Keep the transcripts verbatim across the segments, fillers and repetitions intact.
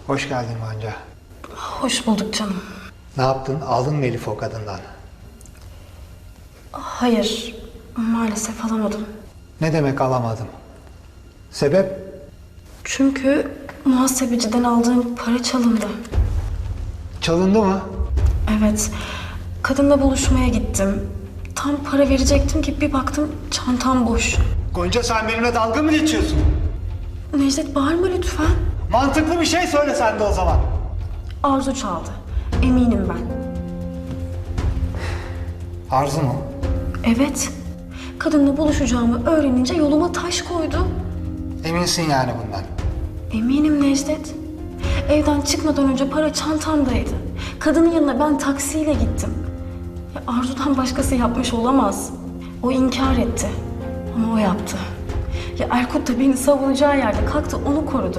Hoş geldin Gonca. Hoş bulduk canım. Ne yaptın? Aldın mı Elif'i o kadından? Hayır, maalesef alamadım. Ne demek alamadım? Sebep? Çünkü muhasebeciden aldığım para çalındı. Çalındı mı? Evet, kadınla buluşmaya gittim. Tam para verecektim ki bir baktım çantam boş. Gonca sen benimle dalga mı geçiyorsun? Necdet bağırma lütfen. Mantıklı bir şey söyle sen de o zaman. Arzu çaldı. Eminim ben. Arzu mu? Evet. Kadınla buluşacağımı öğrenince yoluma taş koydu. Eminsin yani bundan. Eminim Necdet. Evden çıkmadan önce para çantamdaydı. Kadının yanına ben taksiyle gittim. Ya Arzu'dan başkası yapmış olamaz. O inkar etti. Ama o yaptı. Ya Erkut da beni savunacağı yerde kalktı onu korudu.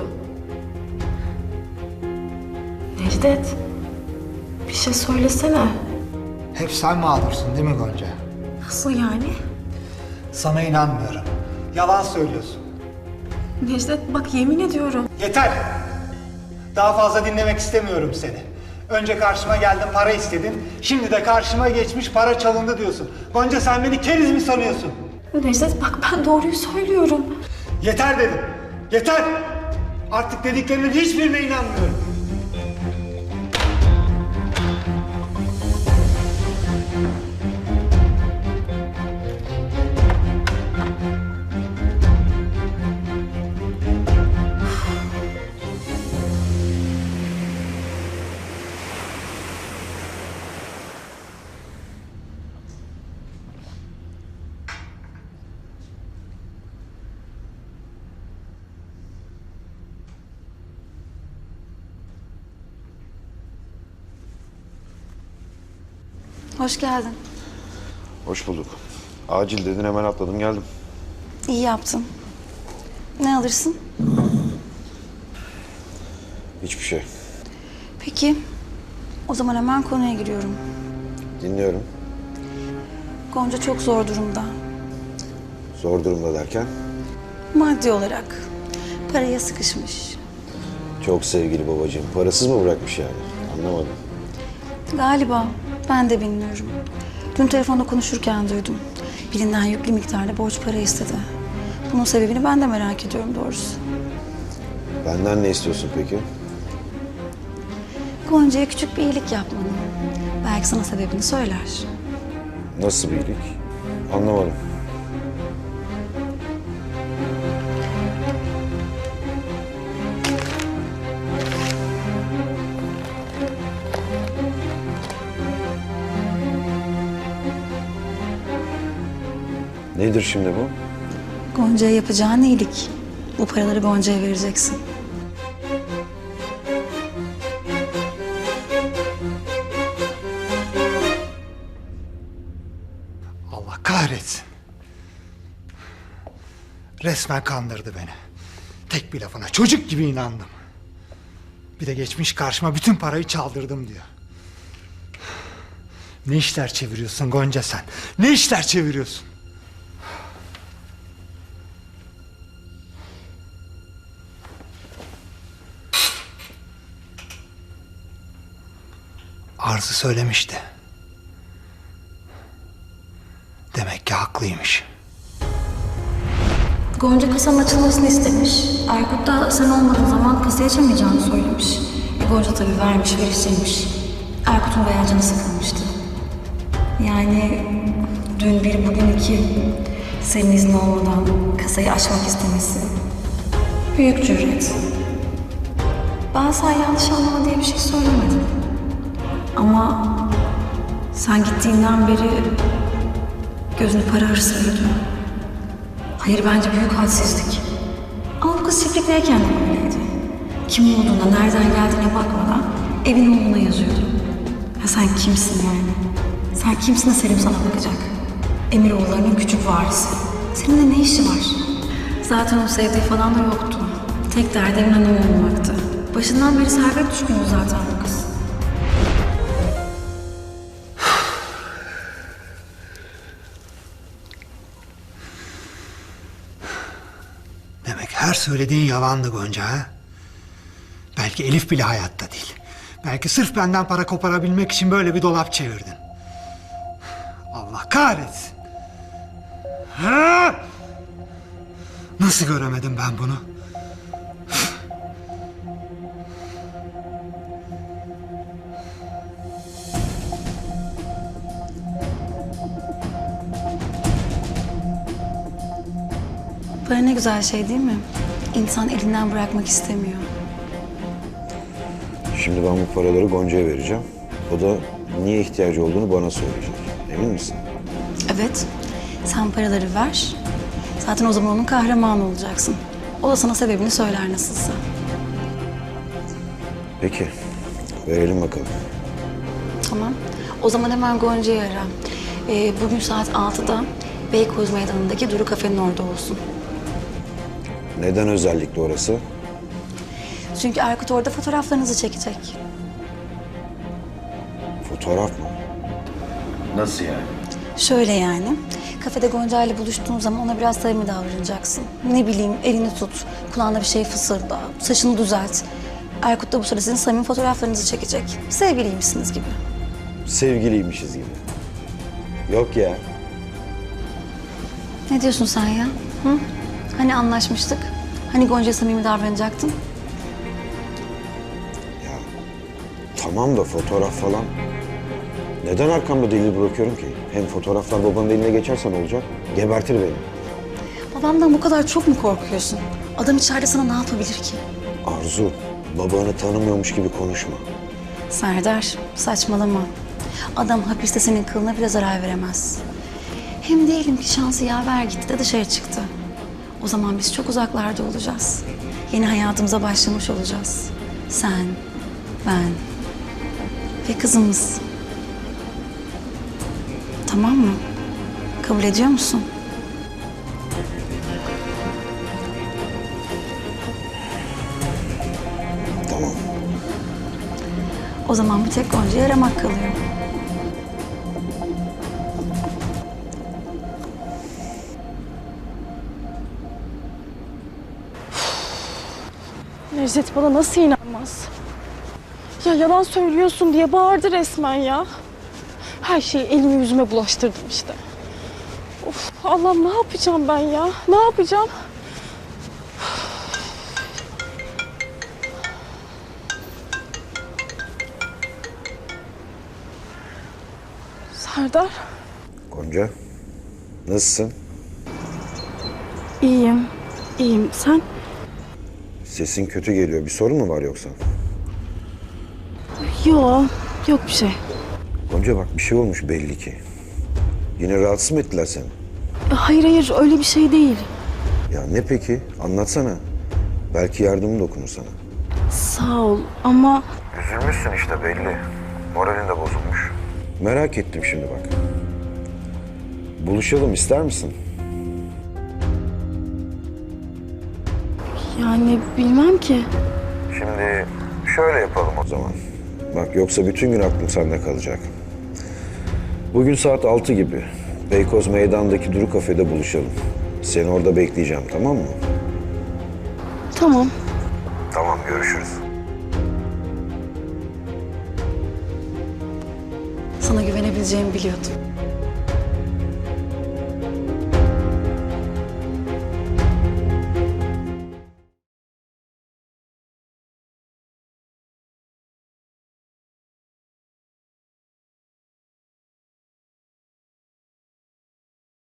Necdet, bir şey söylesene. Hep sen mağdursun değil mi Gonca? Nasıl yani? Sana inanmıyorum. Yalan söylüyorsun. Necdet bak yemin ediyorum. Yeter! Daha fazla dinlemek istemiyorum seni. Önce karşıma geldin, para istedin. Şimdi de karşıma geçmiş, para çalındı diyorsun. Gonca sen beni keriz mi sanıyorsun? Necdet bak ben doğruyu söylüyorum. Yeter dedim. Yeter! Artık dediklerimin hiçbirine inanmıyorum. Hoş geldin. Hoş bulduk. Acil dedin hemen atladım geldim. İyi yaptın. Ne alırsın? Hiçbir şey. Peki. O zaman hemen konuya giriyorum. Dinliyorum. Gonca çok zor durumda. Zor durumda derken? Maddi olarak. Paraya sıkışmış. Çok sevgili babacığım. Parasız mı bırakmış yani? Anlamadım. Galiba. Ben de bilmiyorum. Dün telefonda konuşurken duydum. Birinden yüklü miktarda borç para istedi. Bunun sebebini ben de merak ediyorum doğrusu. Benden ne istiyorsun peki? Gonca'ya küçük bir iyilik yapmanı. Belki sana sebebini söyler. Nasıl bir iyilik? Anlamadım. Nedir şimdi bu? Gonca'ya yapacağın iyilik. Bu paraları Gonca'ya vereceksin. Allah kahretsin. Resmen kandırdı beni. Tek bir lafına çocuk gibi inandım. Bir de geçmiş karşıma bütün parayı çaldırdım diyor. Ne işler çeviriyorsun Gonca sen? Ne işler çeviriyorsun? Arzu söylemişti. Demek ki haklıymış. Gonca kasanın açılmasını istemiş. Erkut da sen olmadığın zaman kasayı açamayacağını söylemiş. E Gonca tabii vermiş, veriştirmiş. Erkut'un bayağı canı sıkılmıştı. Yani dün bir bugün iki senin iznin olmadan kasayı açmak istemesi. Büyük cüret. Ben sana yanlış anlama diye bir şey söylemedim. Ama sen gittiğinden beri gözünü para hırsı bürüdü. Hayır bence büyük hadsizlik. Ama bu kız çiftlikteyken de böyleydi. Kim olduğuna, nereden geldiğine bakmadan evin oğluna yazıyordu. Ya sen kimsin yani? Sen kimsin de Selim sana bakacak? Emiroğullarının küçük varisi. Seninle ne işi var? Zaten o sevdiği falan da yoktu. Tek derdi Emin Hanım olmaktı. Başından beri servet düşkünü zaten bu kız. Demek her söylediğin yalandı Gonca ha? Belki Belki Elif bile hayatta değil. Belki sırf benden para koparabilmek için böyle bir dolap çevirdin. Allah kahretsin. Ha! Nasıl göremedim ben bunu? Para ne güzel şey değil mi? İnsan elinden bırakmak istemiyor. Şimdi ben bu paraları Gonca'ya vereceğim. O da niye ihtiyacı olduğunu bana söyleyecek. Emin misin? Evet, sen paraları ver. Zaten o zaman onun kahramanı olacaksın. O da sana sebebini söyler nasılsa. Peki. Verelim bakalım. Tamam. O zaman hemen Gonca'yı ara. Ee, bugün saat altıda Beykoz Meydanı'ndaki Duru Kafe'nin orada olsun. Neden özellikle orası? Çünkü Erkut orada fotoğraflarınızı çekecek. Fotoğraf mı? Nasıl yani? Şöyle yani, kafede Gonca ile buluştuğun zaman ona biraz samimi davranacaksın. Ne bileyim, elini tut, kulağına bir şey fısılda, saçını düzelt. Erkut da bu sırada sizin samimi fotoğraflarınızı çekecek. Sevgiliymişsiniz gibi. Sevgiliymişiz gibi. Yok ya. Ne diyorsun sen ya? Hı? Hani anlaşmıştık? Hani Gonca'ya samimi davranacaktın? Ya tamam da fotoğraf falan. Neden arkamda delil bırakıyorum ki? Hem fotoğraflar babanın eline geçerse ne olacak? Gebertir beni. Babamdan bu kadar çok mu korkuyorsun? Adam içeride sana ne yapabilir ki? Arzu, babanı tanımıyormuş gibi konuşma. Serdar, saçmalama. Adam hapiste senin kılına bile zarar veremez. Hem diyelim ki şansı yaver gitti de dışarı çıktı. O zaman biz çok uzaklarda olacağız. Yeni hayatımıza başlamış olacağız. Sen, ben ve kızımız. Tamam mı? Kabul ediyor musun? Tamam. O zaman bir tek Gonca'yı aramak kalıyor. Necdet bana nasıl inanmaz? Ya yalan söylüyorsun diye bağırdı resmen ya. Her şeyi elime yüzüme bulaştırdım işte. Of Allah'ım ne yapacağım ben ya? Ne yapacağım? Serdar, Gonca, nasılsın? iyiyim. İyiyim. Sen? Sesin kötü geliyor. Bir sorun mu var yoksa? Yok, yok bir şey. Gonca bak bir şey olmuş belli ki. Yine rahatsız mı ettiler seni? Hayır hayır öyle bir şey değil. Ya ne peki? Anlatsana. Belki yardımım dokunur sana. Sağ ol ama Üzülmüşsün işte belli. Moralin de bozulmuş. Merak ettim şimdi bak. Buluşalım ister misin? yani bilmem ki. Şimdi şöyle yapalım o zaman. Bak yoksa bütün gün aklım sende kalacak. Bugün saat altı gibi Beykoz Meydan'daki Duru Kafe'de buluşalım. Seni orada bekleyeceğim tamam mı? Tamam. Tamam görüşürüz. Sana güvenebileceğimi biliyordum.